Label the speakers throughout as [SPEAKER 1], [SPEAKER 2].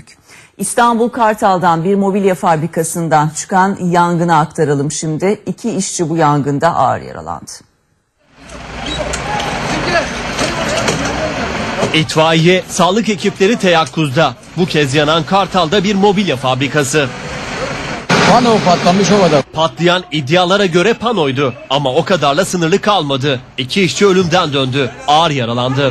[SPEAKER 1] döndük. İstanbul Kartal'dan bir mobilya fabrikasından çıkan yangını aktaralım şimdi. 2 işçi bu yangında ağır yaralandı.
[SPEAKER 2] İtfaiye, sağlık ekipleri teyakkuzda. Bu kez yanan Kartal'da bir mobilya fabrikası.
[SPEAKER 3] Pano patlamış havada.
[SPEAKER 2] Patlayan iddialara göre panoydu ama o kadarla sınırlı kalmadı. 2 işçi ölümden döndü, ağır yaralandı.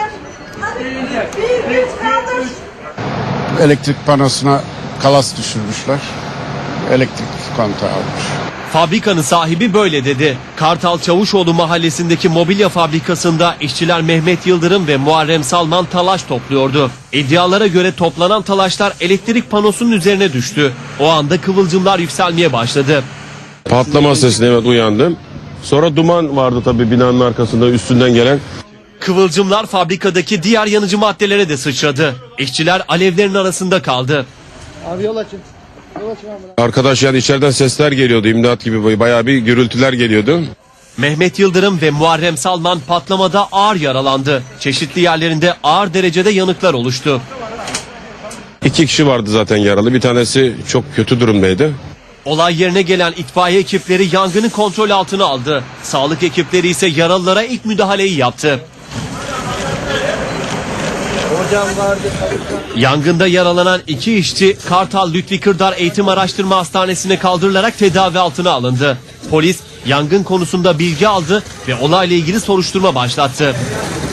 [SPEAKER 4] Elektrik panosuna kalas düşürmüşler. Elektrik kontağı almış.
[SPEAKER 2] Fabrikanın sahibi böyle dedi. Kartal Çavuşoğlu mahallesindeki mobilya fabrikasında işçiler Mehmet Yıldırım ve Muharrem Salman talaş topluyordu. İddialara göre toplanan talaşlar elektrik panosunun üzerine düştü. O anda kıvılcımlar yükselmeye başladı.
[SPEAKER 5] Patlama sesine evet uyandım. Sonra duman vardı tabii binanın arkasında üstünden gelen.
[SPEAKER 2] Kıvılcımlar fabrikadaki diğer yanıcı maddelere de sıçradı. İşçiler alevlerin arasında kaldı.
[SPEAKER 3] Abi yol açın.
[SPEAKER 5] Arkadaş yani içeriden sesler geliyordu, imdat gibi bayağı bir gürültüler geliyordu.
[SPEAKER 2] Mehmet Yıldırım ve Muharrem Salman patlamada ağır yaralandı. Çeşitli yerlerinde ağır derecede yanıklar oluştu.
[SPEAKER 5] 2 kişi vardı zaten yaralı, bir tanesi çok kötü durumdaydı.
[SPEAKER 2] Olay yerine gelen itfaiye ekipleri yangını kontrol altına aldı. Sağlık ekipleri ise yaralılara ilk müdahaleyi yaptı. Yangında yaralanan 2 işçi Kartal Lütfi Kırdar Eğitim Araştırma Hastanesi'ne kaldırılarak tedavi altına alındı. Polis yangın konusunda bilgi aldı ve olayla ilgili soruşturma başlattı.